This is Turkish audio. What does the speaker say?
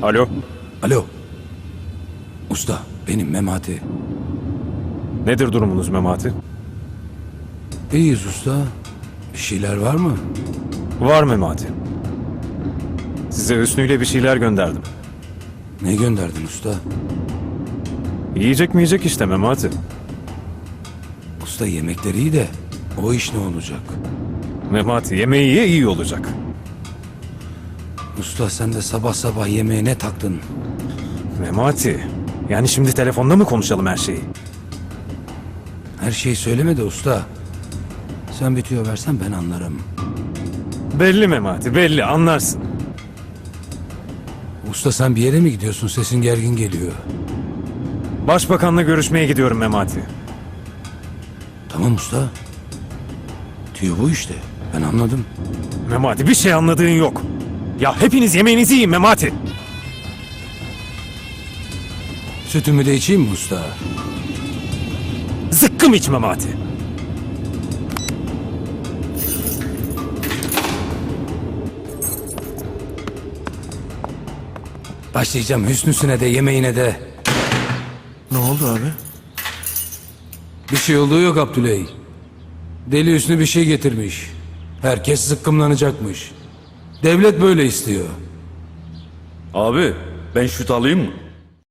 Alo. Alo. Usta, benim Memati. Nedir durumunuz Memati? İyiyiz usta. Bir şeyler var mı? Var Memati. Size Hüsnü'yle bir şeyler gönderdim. Ne gönderdin usta? Yiyecek mi yiyecek işte Memati. Usta yemekleri iyi de o iş ne olacak? Memati yemeği ye iyi olacak. Usta sen de sabah sabah yemeğe ne taktın? Memati. Yani şimdi telefonda mı konuşalım her şeyi? Her şeyi söyleme de usta. Sen bir tüyo versen ben anlarım. Belli Memati belli anlarsın. Usta sen bir yere mi gidiyorsun? Sesin gergin geliyor. Başbakanla görüşmeye gidiyorum Memati. Tamam usta. Tüyo bu işte. Ben anladım. Memati bir şey anladığın yok. Ya hepiniz yemeğinizi yiyin Memati. Sütümü de içeyim mi usta? Zıkkım iç Memati. Başlayacağım Hüsnü'süne de yemeğine de. Ne oldu abi? Bir şey olduğu yok Abdüley. Deli Hüsnü bir şey getirmiş. Herkes zıkkımlanacakmış. Devlet böyle istiyor. Abi ben şut alayım mı?